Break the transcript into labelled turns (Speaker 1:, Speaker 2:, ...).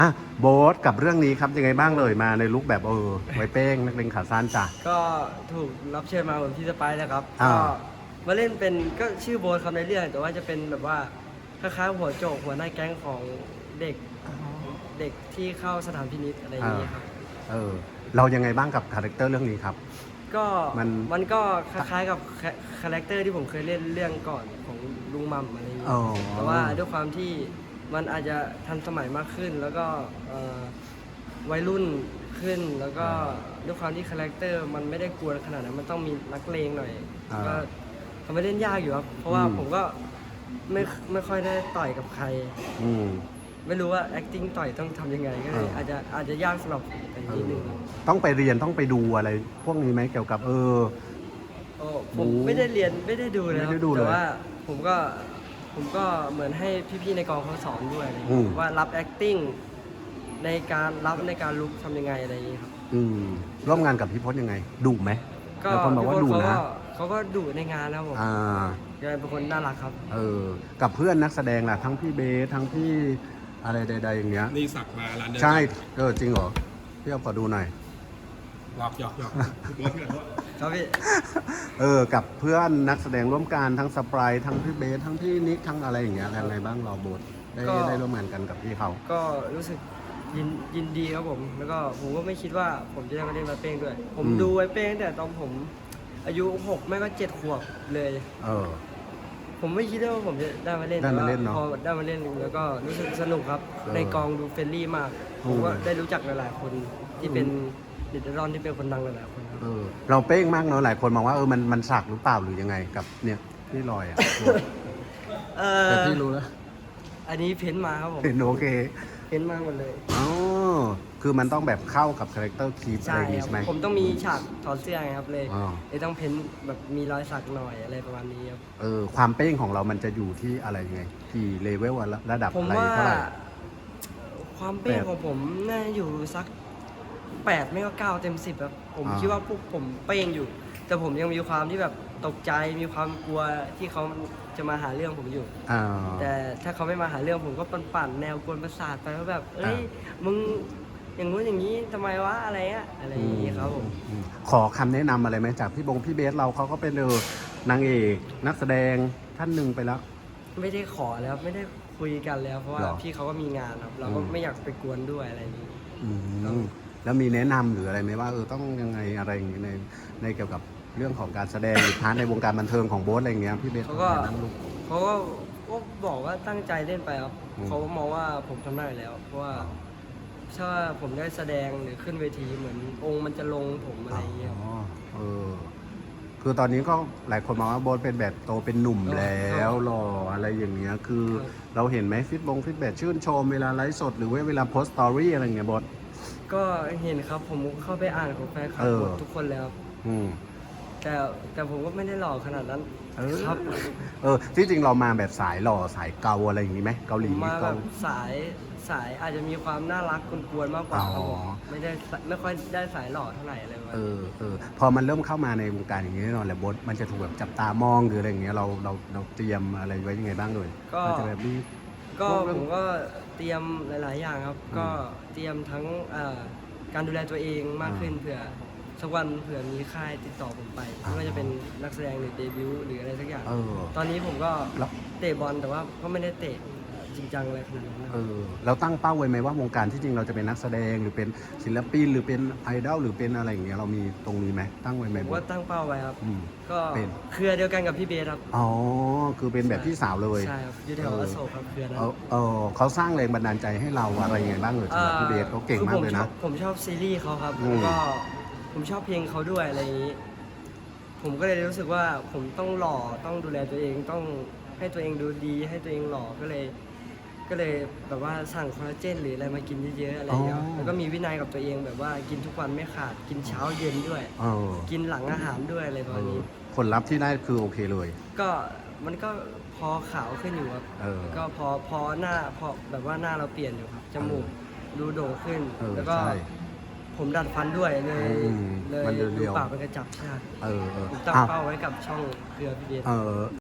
Speaker 1: อ่ะโบ๊ทกับเรื่องนี้ครับยังไงบ้างเลยมาในลุคแบบไว้เป้งนักเลงขาสั้นจ้ะ
Speaker 2: ก็ถูกรับเชิญมาเหมือนพี่สไปซ์นะครับ
Speaker 1: อ่า
Speaker 2: ก็มาเล่นเป็นก็ชื่อโบ๊ทครับในเรื่องแต่ว่าจะเป็นแบบว่าคล้ายๆหัวโจกหัวหน้าแก๊งของเด็กเด็กที่เข้าสถานพินิจอะไรอย่างนี้ครับ
Speaker 1: เออเรายังไงบ้างกับคาแรคเตอร์เรื่องนี้ครับ
Speaker 2: ก็
Speaker 1: มัน
Speaker 2: ก็คล้ายๆกับคาแรคเตอร์ที่ผมเคยเล่นเรื่องก่อนของลุงมัมอะไรอย่างนี้
Speaker 1: อ๋อ
Speaker 2: แต่ว่าด้วยความที่มันอาจจะทันสมัยมากขึ้น แล้วก็วัยรุ่นขึ้นแล้วก็ด้วยความที่คาแรคเตอร์มันไม่ได้กวนขนาดนั้นมันต้องมีนักเลงหน่อยก็ทำให้เล่นยากอยู่ครับเพราะว่าผมก็ไม่ค่อยได้ต่อยกับใครไม่รู้ว่า acting ต่อยต้องทำยังไงก็เลยอาจจะยากสำหรับผมแต่นิดนึง
Speaker 1: ต้องไปเรียนต้องไปดูอะไรพวกนี้ไหมเกี่ยวกับ
Speaker 2: ผมไม่ได้เรียนไม่ได้ดูเลยครับแต่ว่าผมก็เหมือนให้พี่ๆในกองเขาสอนด้วยว่ารับ acting ในการลุกทำยังไงอะไรอย่างนี้ครับ
Speaker 1: ร่วมงานกับพี่พจน์ยังไงดุไหม
Speaker 2: ก็
Speaker 1: คนบอกว่าดุนะ
Speaker 2: เขาก็ดุในงานนะผมแกเป็นคนน่ารักครับ
Speaker 1: กับเพื่อนนักแสดงล่ะทั้งพี่เบสทั้งพี่อะไรใดๆอย่างเงี้ย
Speaker 3: นี่สักมาร้านเดิม
Speaker 1: ใช่จริงเหรอพี่เอาขอดูหน่อย
Speaker 3: หยอก
Speaker 2: ครับพี่
Speaker 1: กับเพื่อนนักแสดงร่วมกันทั้งสปรายทั้งพี่เบสทั้งพี่นิกทั้งอะไรอย่างเงี้ยยังไงบ้างเราโบทได้ร่วมงานกันกับพี่เขา
Speaker 2: ก็รู้สึกยินดีครับผมแล้วก็ผมก็ไม่คิดว่าผมจะได้มาเล่นไวเป้งด้วยผมดูไวเป้งตั้งแต่ตอนผมอายุ6ไม่ก็7 ขวบเลยผมไม่คิดว่าผมจะได้มาเล่นแต่ว่าพอได้มาเล่นแล้วก็รู้สึกสนุกครับในกองดูเฟรนลี่มากผมก็ได้รู้จักหลายๆคนที่เป็นเด็กรอนที่เป็นคนดังหลายๆคนครับ
Speaker 1: เราเป้งมากเนาะหลายคนมองว่ามันสักหรือเปล่าหรือยังไงกับเนี่ยพี่ลอยแต่พี่รู้แล้ว
Speaker 2: อันนี้เพ้นมาครับผม
Speaker 1: เห็นโอเค
Speaker 2: เพ้นมาหมดเลย
Speaker 1: คือมันต้องแบบเข้ากับคาแรคเตอร์คีปอะไรอย่างงี้ใช่ไหม
Speaker 2: ผมต้องมีฉากถอดเสื้อไงครับเลยต้องเพ้นแบบมีรอยสักหน่อยอะไรประมาณนี้ครับ
Speaker 1: ความเป้งของเรามันจะอยู่ที่อะไรยังไงกี่เลเวลระดับอะไรเท่าไหร่
Speaker 2: ความเป้งของผมน่าอยู่สัก8ไม่ก็9 เต็ม 10ครับผมคิดว่าพวกผมเป้งอยู่แต่ผมยังมีความที่แบบตกใจมีความกลัวที่เขาจะมาหาเรื่องผมอยู่แต่ถ้าเขาไม่มาหาเรื่องผมก็ปั่นแนวกวนประสาทไปว่าแบบเอ้ยมึงอย่างงู้นอย่างนี้ทำไมวะอะไรอย่างนี้ครับผม
Speaker 1: ขอคำแนะนำอะไรไหมจากพี่เบสเราเขาก็เป็นนางเอกนักแสดงท่านหนึ่งไปแล้ว
Speaker 2: ไม่ได้ขอแล้วไม่ได้คุยกันแล้วเพราะว่าพี่เขาก็มีงานครับเราก็ไม่อยากไปกวนด้วยอะไรอย่างนี้
Speaker 1: แล้วมีแนะนำหรืออะไรไหมว่าต้องยังไงอะไรอย่างนี้ในเกี่ยวกับเรื่องของการแสดงหรือพาร์ทในวงการบันเทิงของโบ๊ทอะไรอย่างเงี้ยพี่เบส
Speaker 2: เขาก็บอกว่าตั้งใจเล่นไปครับเขามองว่าผมทำได้แล้วเพราะว่าถ้าผมได้แสดงหรือขึ้นเวทีเหมือนองค์มันจะลงผมอะไรอย่างเงี้ย
Speaker 1: คือตอนนี้ก็หลายคนมองว่าโบ๊ทเป็นแบบโตเป็นหนุ่มแล้วหล่ออะไรอย่างเงี้ยคือเราเห็นไหมฟีดแบ็กชื่นชมเวลาไลฟ์สดหรือว่าเวลาโพสต์สตอรี่อะไรอย่างเงี้ยโบ๊ท
Speaker 2: ก็เห็นครับผมเข้าไปอ่านของแฟนคลับทุกคนแล้วแต่ผมก็ไม่ได้หล่อขนาดนั้นครับ
Speaker 1: ที่จริงเรามาแบบสายหล่อสายเกาอะไรอย่างนี้ไหมเกาหลี
Speaker 2: มาแบบสายอาจจะมีความน่ารักกวนๆมากกว่าครับผมไม่ค่อยได้สายหล่อเท่าไหร่อะไรแบบ
Speaker 1: พอมันเริ่มเข้ามาในวงการอย่างนี้แน่นอนแหละโบ๊ทมันจะถูกแบบจับตามองหรืออะไรอย่างเงี้ยเราเตรียมอะไรไว้ยังไงบ้างเลย
Speaker 2: ก็จะแบบนี้ก็ผมก็เตรียมหลายๆอย่างครับก็เตรียมทั้งการดูแลตัวเองมากขึ้นเผื่อสักวันเผื่อมีค่ายติดต่อผมไปไม่ว่าจะเป็นนักแสดงหรือเดบิวต์หรืออะไรสักอย่างตอนนี้ผมก็เตะบอลแต่ว่าก็ไม่ได้เตะจริงจังอะไรขนาดนั้น
Speaker 1: เราตั้งเป้าไว้ไหมว่าวงการที่จริงเราจะเป็นนักแสดงหรือเป็นศิลปินหรือเป็นไอดอลหรือเป็นอะไรอย่างเงี้ยเรามีตรงนี้ไหมตั้งไว้ไหม
Speaker 2: ผมว่าตั้งเป้าไว้ครับก็เป็นเครือเดียวกันกับพี่เบสครับ
Speaker 1: คือเป็นแบบพี่สาวเลย
Speaker 2: ใช่ครับอยู่แถวอโศกครับเครือนั้น
Speaker 1: เขาสร้างแรงบันดาลใจให้เราอะไรยังไงบ้างเลยสำหรับพี่เบสเขาเก่งมากเลยนะ
Speaker 2: ผมชอบซีรีส์เขาครับแล้วก็ผมชอบเพลงเขาด้วยอะไรอย่างนี้ผมก็เลยรู้สึกว่าผมต้องหล่อต้องดูแลตัวเองต้องให้ตัวเองดูดีให้ตัวเองหล่อก็เลยแบบว่าสั่งคอลลาเจนหรืออะไรมากินเยอะๆอะไรอย่างเงี้ยแล้วก็มีวินัยกับตัวเองแบบว่ากินทุกวันไม่ขาดกินเช้าเย็นด้วยกินหลังอาหารด้วยอะไรประมาณนี้
Speaker 1: ผลลัพธ์ที่ได้คือโอเคเลย
Speaker 2: ก็มันก็พอขาวขึ้นอยู่ครับก็พอหน้าพอแบบว่าหน้าเราเปลี่ยนอยู่ครับจมูกดูโด่งขึ้นแล้วก็ผมดัดฟันด้วยเลยดูปากเป็นกระจับใช่ผมตั้งเป้าไว้กับช่องเครือพี่เบส